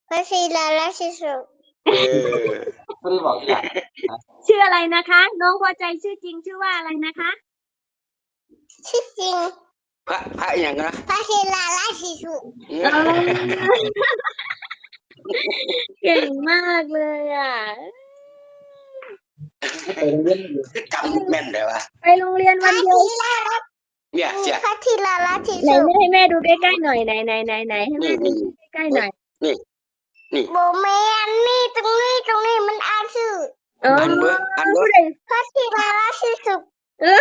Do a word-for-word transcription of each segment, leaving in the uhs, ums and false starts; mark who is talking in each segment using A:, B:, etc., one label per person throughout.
A: พระศิลาราชสุข
B: เออ
C: ไม่ได้บอกที่หลัง
D: ชื่ออะไรนะคะ น้องพอใจชื่อจริงชื่อว่าอะไรนะคะ
A: ชื่อจริง
B: พระพระอย่างนะ
A: พระศิลาราชสุข
D: เก่งมากเลยอ่ะ
C: ไปโรงเรียนอยู่
B: จำแม่นเลยวะ
D: ไปโรงเรียน
A: พ
D: วั
A: ระ
D: นเดียว
A: ศิลาราช
B: เนี่ยเสีย
A: พระศิลาราช
D: ไหน
A: สุข
D: แม่ให้แม่ดูใกล้ๆหน่อยไหนไหนไหนไหนให้แม่ดูใกล้ๆหน่อย
A: โบแมนนี่ตรงนี้ตรงนี้มันอ่านชื่อ
D: เออ
B: อันเบอร์อันเบอ
D: ผู้
B: ร์
D: ใด
A: พระศิลาราชสุข
D: เออ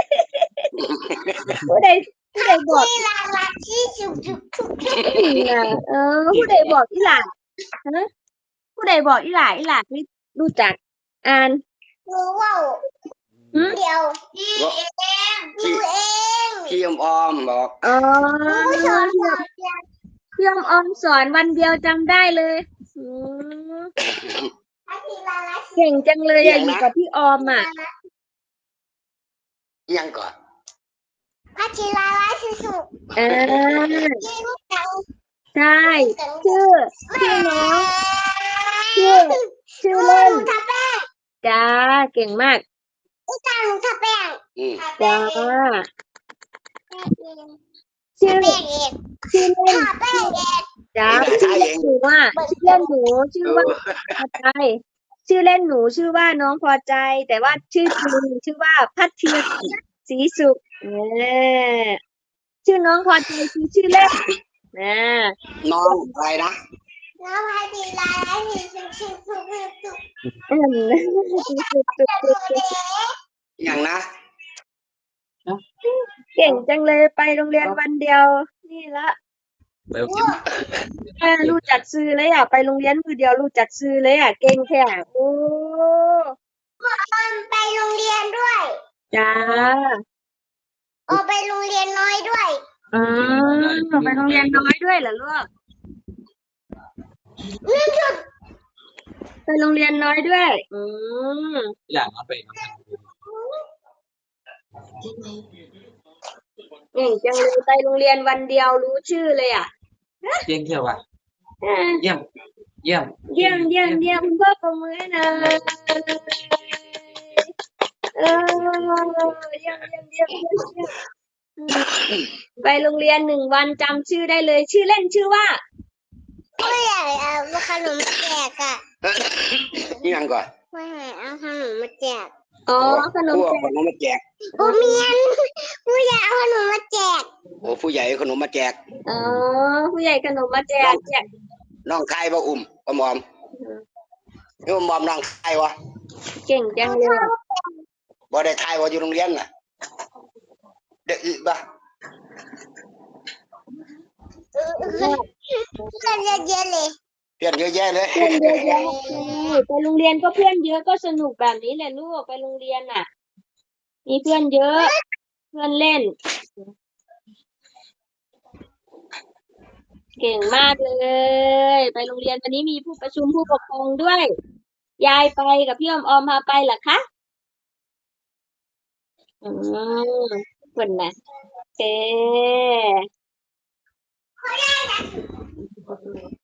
D: ผู้ใดผู้ใดบอก
A: ศิลาราชสุขสุขทุกทุก
D: น่ะเออผู้ใดบอกอีหล่าฮะผู้ใดบอกอีหล่าอีหล่าไม่รู้จักอ่าน
A: รู้ว่า
D: หืม
A: เดี๋ยวพี่เองรู้เอง
B: พี่อมออมบอก
D: อ๋อ
A: รู้สอนสอนเดียว
D: เพื่อนออมสอนวันเดียวจำได้เลยอืม
A: พระศิลาราช
D: เก่งจังเลยอะอยู่กับพี่ออมอ่ะ
B: ยังก่อน
A: พระศิลาราชสุข
D: อ่า
A: จริงจัง
D: ใช่ชื่อชื่อน้องชื่อชื่อ
A: ห
D: เล่น
A: นูทาแป้ง
D: จ้าเก่งมาก
A: อีตาหนูทาแป้ง
B: อืม
A: ทาแป้
D: จ้าง
A: เอง
D: ชื่อ
A: ทาแป้งเอง
D: ชื่อเล่น
A: ทาแป้งเอง
D: จ้าชื่อเล่นหนูว่าชื่อเล่นหนูชื่อว่าพอใจชื่อเล่นหนูชื่อว่าน้องพอใจ แต่ว่าชื่อจริงชื่อว่าพัทธีศรีสุขเออชื่อน้องพอใจคือชื่อเล่นนะ
B: น้องอะไรนะ
A: น้องพระศิลาราชสุขสุขสุขสุข
D: อืม
B: อย่างนะ
D: เก่งจังเลยไปโรงเรียนวันเดียว นี่ละ
C: ไปโรงเรียน
D: แม่รู้จักซื้อเลยอ่ะไปโรงเรียนมือเดียวรู้จักซื้อเลยอ่ะเก่งแค่โอ้
A: ไปโรงเรียนด้วย
D: จ้า
A: ออกไปโรงเรียนน้อยด้วย
D: อืมไปโรงเรียนน้อยด้วยเหรอลูกไปโรงเรียนน้อยด้วย อืม
C: ที่หลังเอาไปน้อง
D: เก่งจังเลยไปโรงเรียนวันเดียวรู้ชื่อเลยอ่ะ
C: เยี่ยมเที่ยวว่ะ
D: อ่า
C: เยี่ยมเยี่ยม
D: เยี่ยมเยี่ยมเยี่ยมคุณพ่อประมือให้หนะเออเยี่ยมเยี่ยมเยี่ยมเยี่ยมเยี่ยมไปโรงเรียนหนึ่งวันจำชื่อได้เลย ชื่อเล่นชื่อว่า
A: ผู้ใหญ่เอาขนมมาแจกอ่ะ
B: ยังก่อน
A: ผู้ใหญ่เอาขนมมาแจก
D: อ๋อขนม
B: พวก
D: แจ
B: ข
D: ก
B: นมมาแจก
A: โอเมียนผู้ใหญ่เอาขนมมาแจก
B: โอ้ผู้ใหญ่ขนมมาแจก
D: อ๋อผู้ใหญ่ขนมมาแจกแจก
B: น้องไทยบ่อุ้มอมอมนี่อมอมน้องไทยวะ
D: เก่งจังเลย
B: บ่ได้ไทยว่าอยู่โรงเรียนน่ะเด็กอีกบ่
A: เออเพื่อนเยอะๆเลย
B: เพื่อนเยอะแยะเลย
D: เพื่อนเยอะแยะเลยไปโรงเรียนก็เพื่อนเยอะก็สนุกแบบนี้แหละลูกไปโรงเรียนอ่ะ มีเพื่อนเยอะ เพื่อนเล่น เก่งมากเลย ไปโรงเรียนวันนี้มีผู้ประชุมผู้ปกครองด้วย ยายไปกับพี่ออมออมพาไปเหรอคะอืมคนนะเอ๊